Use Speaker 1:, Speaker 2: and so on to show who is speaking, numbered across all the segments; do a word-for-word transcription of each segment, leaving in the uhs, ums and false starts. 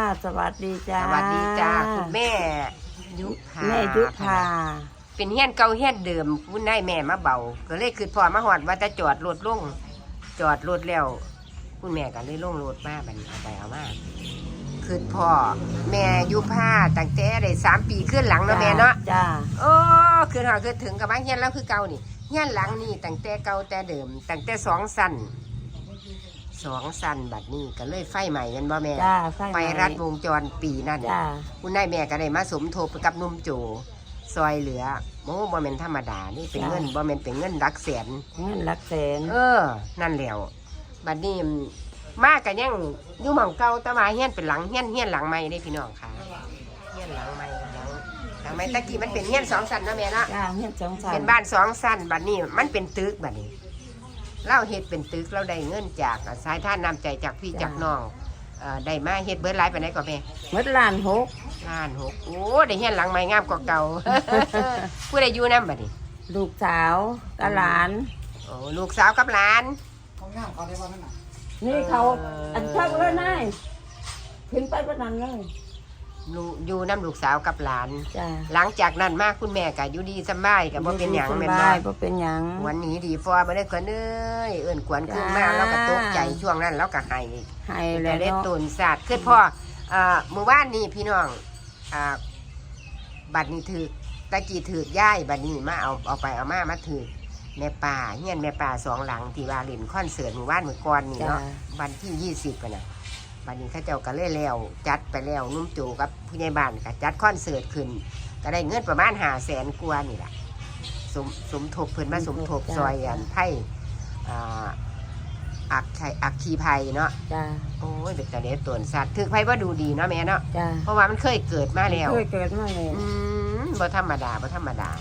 Speaker 1: สวัสดีจ้า
Speaker 2: สวัสดีจ้าคุณแม่ยุพา
Speaker 1: แม่ยุพา
Speaker 2: เป็นเฮี้ยนเก่าเฮี้ยนเดิมคุณนายแม่มาเบาก็เลยคือพอมาหอดว่าจะจอดรถลงจอดรถแล้วคุณแม่ก็เลยลงรถมาบัดนเอาไปเอามาคือพ่อแม่ยุพาตั้งแต่ได้สามปีขึ้นหลังเนาะแม่เนาะ
Speaker 1: จ้า
Speaker 2: โอ้คือหอคือถึงกับว่าเฮี้ยนแล้วคือเก่านี่เฮี้ยนหลังนี่ตั้งแต่เก่าแต่เดิมตั้งแต่สองสั้นสองสั้นบัดนี้ก็เลยไฟใหม่กันบ่แม่
Speaker 1: จ้า
Speaker 2: ไฟรัดวงจรปีนั่น
Speaker 1: จ้า
Speaker 2: คุณนายแม่ก็ได้มาสมทบกับนุ่มโจซอยเหลือโอ้บ่แม่นธรรมดานี่เป็นเงินบ่แม่นเป็นเงินหลักแสน
Speaker 1: เงินหลักแสน
Speaker 2: เออนั่นแล้วบัดนี้มากันยังอยู่หม่องเก่าแต่ว่าเฮียนเป็นหลังเฮียนเฮียนหลังใหม่ได้พี่น้องค่ะเฮียนหลังใหม่หลังหลังใหม่ตะกี้มันเป็นเฮียนสองชั้นเนาะแม่เนาะ
Speaker 1: จ้าเฮียนสองชั้น
Speaker 2: เป็นบ้านสองชั้นบัดนี้มันเป็นตึกบัดนี้เราเฮ็ดเป็นตึกเราได้เงินจากสายท่านนำใจจากพี่จากน้องได้มาเฮ็ดเบิร์ดไลฟ์ไปไหนก่อนแม่
Speaker 1: เมื่อล้านหก
Speaker 2: ล้านหกโอ้ได้เฮียนหลังใหม่งามกว่าเก่า ผู้ใดอยู่น้ำบัดนี้
Speaker 1: ลูกสาวกับหลาน
Speaker 2: โอ้ลูกสาวกับหลาน
Speaker 3: เขาง่ามเขาได้ว่านั่นน่ะ
Speaker 1: นี่เขาอันชักเลยนายขึ้นไปประนันเลย
Speaker 2: อยู่น้ำลูกสาวกับหลาน
Speaker 1: จ้า
Speaker 2: หลังจากนั้นมาคุณแม่ก็อยู่ดีสบายกับบ่เป็นหยัง
Speaker 1: แม่นบ่บ่เป็นหยัง
Speaker 2: วันนี้ดีฟอมาได้ขวัญเอ้ยเอิ่นขวัญขึ้นมาแล้วก็ตกใจช่วงนั้นแล้วก็ให้
Speaker 1: ให้
Speaker 2: แล้วได้ตุนศาสตร์คือพ่ออ่ามื้อวานนี้พี่น้องอ่าบัดนี้ถือตะกี้ถือย่ายบัดนี้มาเอาเอาไปเอามามาถือแม่ป่าเฮียนแม่ป่าสองหลังที่ว่าเล่นคอนเสิร์ตมื้อวานมื้อก่อนนี่เนาะวันที่ยี่สิบกันน่ะบัดนี้เขาเจ้าก็เลยแล้วจัดไปแล้วนุ่มโจกับผู้ใหญ่บ้านก็จัดคอนเสิร์ตขึ้นก็ได้เงินประมาณห้าแสนกว่านี่แหละสมสมทบเพิ่นมาสมทบซอยอันไผ่อ่าอักไข่อักขีไผ่เนาะ
Speaker 1: จ้า
Speaker 2: โอ้ยเด็กแต่เด็กตัวสัตว์ถือไผ่ว่าดูดีเนาะแม่เนาะ
Speaker 1: จ้า
Speaker 2: เพราะว่ามันเคยเกิดมาแล้ว
Speaker 1: เคยเกิดมาแล้ว
Speaker 2: อืมบ่ธรรมดาบ่ธรรมดา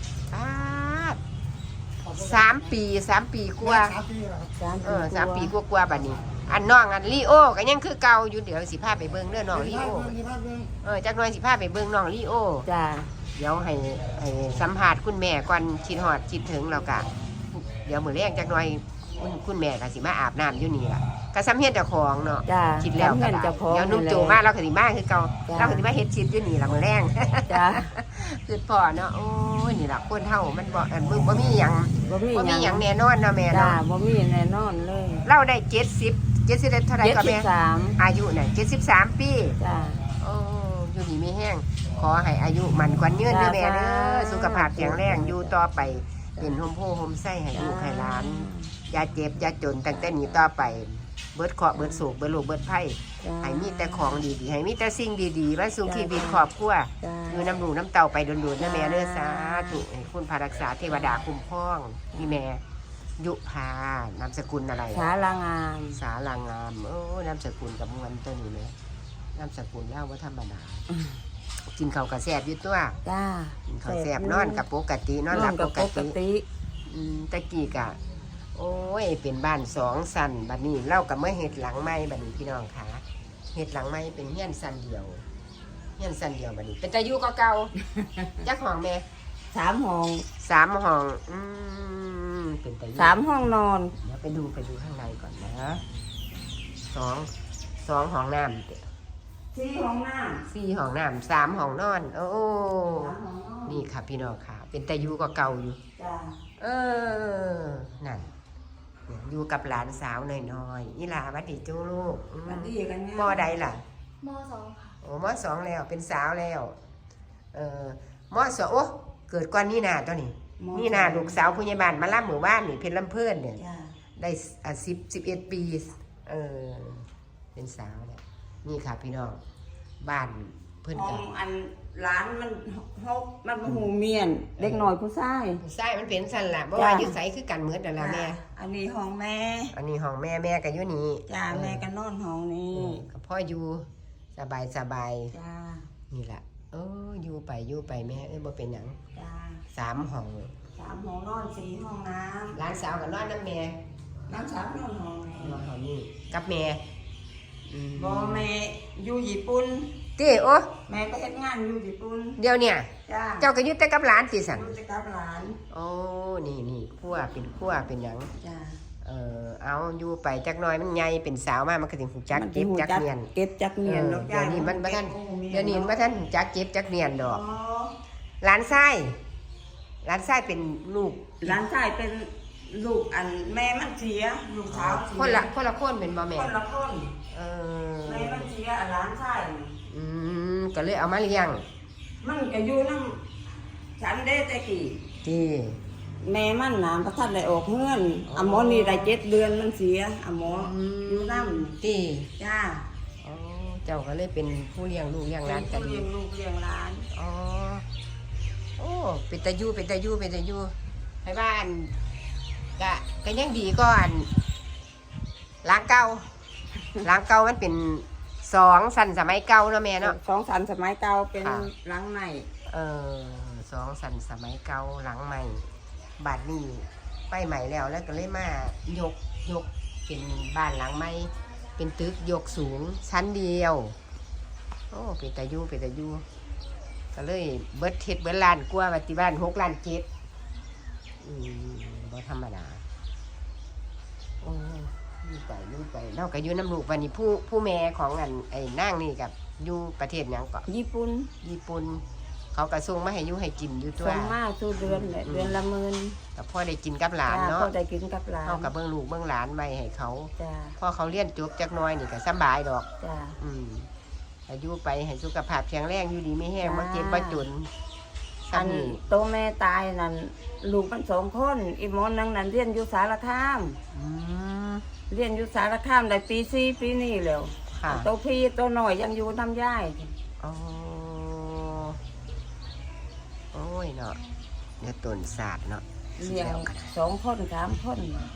Speaker 2: สามปีสามปีกว่าเออสามปีกว่าๆบัดนี้อันน้องอันลีโอก็ยังคือเก่าอยู่เดี๋ยวสิพาไปเบิ่งเด้อน้องลีโอเออจักหน่อยสิพาไปเบิ่งน้องลีโอ
Speaker 1: จ้า
Speaker 2: เดี๋ยวให้ให้สัมภาษณ์คุณแม่ก่อนคิดฮอดคิดถึงแล้วก็เดี๋ยวมื้อแรกจักหน่อยคุณคุณแม่ก็สิมาอาบน้ำอยู่นี่ล่ะก็ซ้ำเฮ็ดเจ้าของเนาะคิดแล้วก็ได้เดี๋ยวนุ่มโจมาเราก็สิมาคือเก่าเราก็สิมาเฮ็ดชิดอยู่นี่ล่ะมื้อแรง
Speaker 1: จ้า
Speaker 2: คือพ่อเนาะโอ้ยนี่ล่ะคนเฮามันบ่อันบ่บ่มีหยัง
Speaker 1: บ่มี
Speaker 2: บ่มีหยังแน่นอนเนาะแม่เนาะ
Speaker 1: บ่มีแน่นอนเลย
Speaker 2: เราได้เจ็ดสิบ เจ็ดสิบเท่าไหร่ก็แม่อายุน่ะเจ็ดสิบสามปี
Speaker 1: จ้า
Speaker 2: โอ้อยู่นี่มีแห้งขอให้อายุมันกว่ายืนเด้อแม่เด้อสุขภาพแข็งแรงอยู่ต่อไปเป็นโฮมโพโฮมไส้ให้ลูกให้หลานอย่าเจ็บอย่าจนตั้งแต่นี้ต่อไปเบิดเคราะห์เบิดโศกเบิดโรคเบิดภัยให้มีแต่ของดีๆให้มีแต่สิ่งดีๆมาสู่ชีวิตครอบครัวอยู่น้ำหนูน้ำเต่าไปโดนๆนะแม่เด้อสาธุให้คุณพารักษาเทวดาคุ้มครองพี่แม่ยุพานามสกุลอะไร
Speaker 1: สาลางาม
Speaker 2: สาลางามโอ้นามสกุลกับมวลตัวนี้ไหมนามสกุลเล่าว่าธรรมดากินข้าวกระแสบอยู่ตัว
Speaker 1: จ้า
Speaker 2: กินข้าวแสบนอนกับปกตินอนหลับปกติตะกี้กะโอ้ยเป็นบ้านสองสันบัดนี้เล่ากับเมื่อเห็ดหลังไม้บัดนี้พี่น้องค่ะเห็ดหลังไม้เป็นเฮี้ยนสันเดียวเฮี้ยนสันเดียวบัดนี้เป็นตะยุก็เก่ายักห้องแม่
Speaker 1: สามห้อง
Speaker 2: สามห้องอืมเป็นตะยุ
Speaker 1: สามห้องนอน
Speaker 2: เดี๋ยวไปดูไปดูข้างในก่อนนะสองสองห้องน้ำ
Speaker 1: สี่ห้องน้ำ
Speaker 2: สี่ห้องน้ำสามห้องนอนโอ้นี่ค่ะพี่น้องค่ะเป็นตะยุก็เก่าอยู่เออนั่นอยู่กับหลานสาวน้อยๆนี่ล่ะวัดดีจูลูกมอใดล่ะ
Speaker 4: มอสองค่ะ
Speaker 2: โอ้มอสองแล้วเป็นสาวแล้วเออมอสองโอ้เกิดก่อนนี่นาตัวนี้นี่นาลูกสาวผู้ใหญ่บ้านมาล่ำหมู่บ้านนี่เพชรลำเพื่อนเนี่ยได้อ่ะสิบสิบเอ็ดปีเออเป็นสาวแล้วนี่ค่ะพี่น้องบ้านเพื่อนกัน
Speaker 1: อันร้านมันฮกมันหูเมียนเล็กหน่อยผู้ชาย
Speaker 2: ผู้ชายมันเป็นสันละเพราะว่ายึดใสคือกันเหมือนแต่ละแม่
Speaker 1: อันนี้ห้องแม่
Speaker 2: อันนี้ห้องแม่แม่กันอยู่นี่
Speaker 1: จ้าแม่กันนอนห้องนี้
Speaker 2: กับพ่ออยู่สบายสบาย
Speaker 1: จ้า
Speaker 2: นี่แหละเอออยู่ไปอยู่ไปแม่เอ้ยบ่เป็นหยัง
Speaker 1: จ้า
Speaker 2: สามห้อง
Speaker 1: สามห้องนอนสี่ห้องน้ำ
Speaker 2: ร้านสาวกับนอนน้ำแม่
Speaker 1: ร้านสาวนอนห้อง
Speaker 2: นอนห้องนี้กับแม่
Speaker 1: บ่แม่อยู่ญี่ปุ่น
Speaker 2: ตีโอ้
Speaker 1: แม่ก็เฮ็ดงานอยู่ญี่ปุ่น
Speaker 2: เดี๋ยวเนี่ยเจ้าก็ยึดแต่กับหลานตีสัน
Speaker 1: ยึดแต่กับหลาน
Speaker 2: โอ้นี่นี่ขั้วเป็นขั้วเป็นหยัง
Speaker 1: จ้า
Speaker 2: อเออเอาอยู่ไปจักหน่อยมันใหญ่เป็นสาวมามันก็สิฮู้จัก
Speaker 1: มัน
Speaker 2: เก็บ
Speaker 1: หู
Speaker 2: จักเนียน
Speaker 1: เก็บจักเนียน
Speaker 2: เออ
Speaker 1: เนาะ
Speaker 2: เดี๋ยวนี้มันบ่ทัน
Speaker 1: เก็บ
Speaker 2: เดี๋ยวนี้มันบ่ทันฮู้จักเก็บจักเนียนด
Speaker 1: อ๋
Speaker 2: อ
Speaker 1: อก
Speaker 2: หลานชายหลานชายเป็นลูก
Speaker 1: หลานชายเป็นลูกอันแม่มันเสียลูกสาวเสีย
Speaker 2: คนละคนละคนเป็นบ่แม่
Speaker 1: คนละคน
Speaker 2: เออ
Speaker 1: แม่มันเสียอันหลานชายนี่
Speaker 2: อืมก็เลยเอามาเลี้ยง
Speaker 1: มันก็อยู่นำฉันได้แต่กี่
Speaker 2: ที่
Speaker 1: แม่มันน่ะบ่ทันได้ออกเฮือนอะหมอนี่ได้เจ็ดเดือนมันเสียอะหมออยู่นำ
Speaker 2: ที่
Speaker 1: จ้า
Speaker 2: อ๋อเจ้าก็เลยเป็นผู้เลี้ยงลูกเลี้ยงหลานกัน
Speaker 1: เลี้ยงลูกเลี้ยงหลาน
Speaker 2: อ๋อโอ้เป็นตายู่เป็นตายู่เป็นตายู่ให้บ้านกะก็ยังดีก่อนหล้างเก่าหล้างเก่ามันเป็นสองสันสมัยเก่าเนาะแม่เนาะ
Speaker 1: สองสันสมัยเก่าเป็น
Speaker 2: ค่ะ
Speaker 1: หลังใหม่
Speaker 2: เออสองสันสมัยเก่าหลังใหม่บาดนี้ไปใหม่แล้วแล้วก็เลยมายกยกเป็นบ้านหลังใหม่เป็นตึกยกสูงชั้นเดียวโอ้เป็นตายู่เป็นตายู่ก็เลยเบิดเท็ดเบิดล้านกว่าปฏิบ้านหกล้านเจ็ดอืมบ่ธรรมดาโอ้อยู่ไปอยู่ไปเราก็อยู่น้ำลูกวันนี้ผู้ผู้แม่ของอันไอ้นางนี่กับอยู่ประเทศหยังก็
Speaker 1: ญี่ปุ่น
Speaker 2: ญี่ปุ่นเขากระส่งมาให้อยุให้กินอยู่ตัว
Speaker 1: ส่งมาสู่เดือนแหละเดือนละหมื่น
Speaker 2: แต่พ่อได้กินกับหลาน
Speaker 1: จ้า
Speaker 2: เนาะ
Speaker 1: ก็ได้กินกับหลาน
Speaker 2: เขากับเบื้องลูกเบื้องหลานไว้ให้เขา
Speaker 1: จ้า
Speaker 2: พ่อเขาเลี้ยนจบจักหน้อยนี่ก็สบายดอก
Speaker 1: จ้า
Speaker 2: อืมอายุไปให้สุขภาพแข็งแรงอยู่ดีไม่แห้ง
Speaker 1: จ้า
Speaker 2: มาเจ็บมาจน
Speaker 1: อัน
Speaker 2: ซ้ำนี่
Speaker 1: โตแม่ตายนั่นลูกมันสองคนอีหมอนนึงนั่นเรียนอยู่สารคาม
Speaker 2: อืม
Speaker 1: เรียนอยู่สารคามได้ปีสี่ปีนี้แล้ว
Speaker 2: ค่ะ
Speaker 1: โตพี่โตหน่อยยังอยู่น้ำย่าย
Speaker 2: อ๋อโอ้ยเนาะเดี๋ยวต้นศาสตร์เนาะ
Speaker 1: เลี้ยง
Speaker 2: แล้วกัน
Speaker 1: สองคนสามคน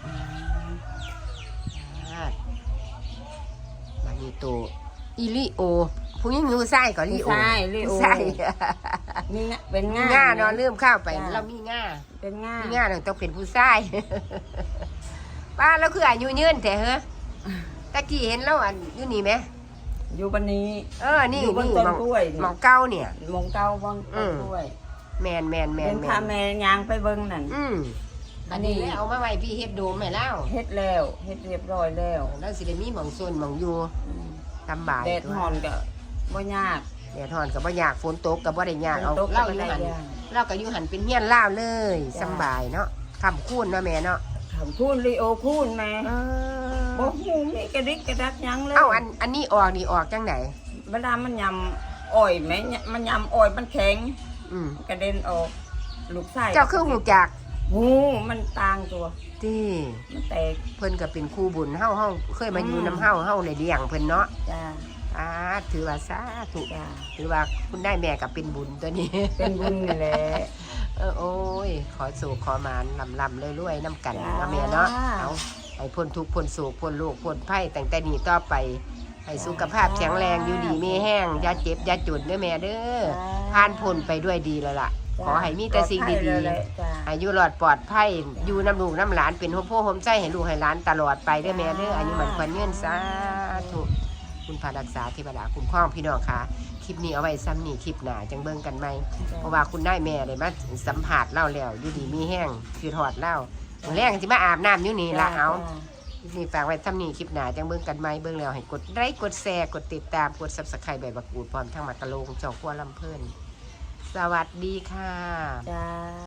Speaker 2: มานีโตอีลิโอผู้หญิงอยู่ไส้ก็ลิโอ
Speaker 1: ใช่ลิโอ
Speaker 2: ใช่
Speaker 1: มีงะเป็น
Speaker 2: มี
Speaker 1: ง่า
Speaker 2: ง่าเนาะลืมข้าวไป
Speaker 1: จ้ะ
Speaker 2: เรามีง่า
Speaker 1: เป็นง่า
Speaker 2: มีง่าเราต้องเป็นผู้ชาย ป้าเราคืออายุยืนแต่เฮ้อตะกี้เห็นแล้วอันอยู่นี่ไหม
Speaker 1: อยู่บันนี้
Speaker 2: เออนี่
Speaker 1: อยู่บน
Speaker 2: นี่
Speaker 1: ต้น
Speaker 2: หมอง
Speaker 1: กล้วยนี่
Speaker 2: หมองเก้าเนี่ย
Speaker 1: มงเก้าบอน
Speaker 2: อื
Speaker 1: ต้น
Speaker 2: ม
Speaker 1: กล้วย
Speaker 2: แมนแมนแม
Speaker 1: เป็น น
Speaker 2: แม
Speaker 1: พาน แม่ยางไปเบิ่งนั่น
Speaker 2: อืม
Speaker 1: อั
Speaker 2: อัน
Speaker 1: นนี้
Speaker 2: นี้แล้วเอามาไว้พี่เฮ็ดโดมให้แล้ว
Speaker 1: เฮ็ดแล้วเฮ็ดเรียบร้อยแล้ว
Speaker 2: แล้วสิได้มีหมองโซนหมองอยู่
Speaker 1: อืม
Speaker 2: ทำบาย
Speaker 1: แดดฮ้อนก็บ่ยาก
Speaker 2: แดดฮ้อนก็บ่อยากฝนตกก็บ่ได้ยากเอา
Speaker 1: ฝนตกก็
Speaker 2: เล่า
Speaker 1: บ่
Speaker 2: อยู่
Speaker 1: ได้
Speaker 2: หัน
Speaker 1: ยาก
Speaker 2: เราก็อยู่หันเป็นเฮียนเล่าวเลย
Speaker 1: จ้ะ
Speaker 2: สำบายเนาะคำคูณเนาะแม่เนาะ
Speaker 1: คำพูดลีโอพูดแม่
Speaker 2: เอ
Speaker 1: บ่
Speaker 2: อ
Speaker 1: ฮู้มีกระดิกกระดักหยังเลย
Speaker 2: เอ้าอันอันนี้ออกนี่ออกจังไหน
Speaker 1: เวลามันยำอ้อยแม่มันยำอ้อยมันแข็ง
Speaker 2: อืม
Speaker 1: กระเด็นออกลูกไส้
Speaker 2: เจ้าคือหูจัก
Speaker 1: หูมันต่างตัว
Speaker 2: ที่
Speaker 1: มันแตก
Speaker 2: เพิ่นก็เป็นครูบุญเฮาเฮาเคยมาอยู่
Speaker 1: อืม
Speaker 2: น้ำเฮาเฮาเลยเลี้ยงเพิ่นเนาะ
Speaker 1: จ้า
Speaker 2: อ่าถือว่าสาธุ
Speaker 1: จ้า
Speaker 2: ถือว่าคุณได้แม่ก็เป็นบุญตัวนี้
Speaker 1: เป็นบุญนี่แหละ
Speaker 2: เออโอ้ยขอสู่ขอมานลำลำรวยๆน้ำกัน
Speaker 1: จ้า
Speaker 2: เนาะแม่เนาะเอาให้พ้นทุกข์พ้นโศกพ้นโรคพ้นภัยตั้งแต่นี้ต่อไปให้สุขภาพแข็งแรงอยู่ดีมีแห้งอย่าเจ็บอย่าจนเด้อแม่เด้อผ่านพ้นไปด้วยดีแล้วล่ะ ขอให้มีแต่สิ่งดี
Speaker 1: ปลอภัยเลยแหละ
Speaker 2: ๆ
Speaker 1: จ้า
Speaker 2: อายุรอดปลอดภัยอยู่น้ำลูกน้ำหลานเป็นหัวโพ่อหัวใจให้ลูกให้หลานตลอดไปเด้อแม่เด้ออายุมันควรเงื่อนสาธุคุณพารักษาเทวดาคุ้มครองพี่น้องค่ะคลิปนี้เอาไว้ซ้ำนี่คลิปหนาจังเบิ่งกันไหมเพราะว่าคุณได้แม่เลยมาสัมผัสเล่าแล้วอยู่ดีมีแห้งคือถอดเล่าแรงจิมาอาบน้ำอยู่นี่ละเอาคลิปนี้ฝากไว้ซ้ำนี่คลิปหนาจังเบิ่งกันไหมเบิ่งแล้วให้กดไลค์กดแชร์กดติดตามกดซับสไครต์ใบบักกูดพร้อมทั้งมากระโลงจอกกัวลำเพิ่นสวัสดีค่ะ
Speaker 1: จ้า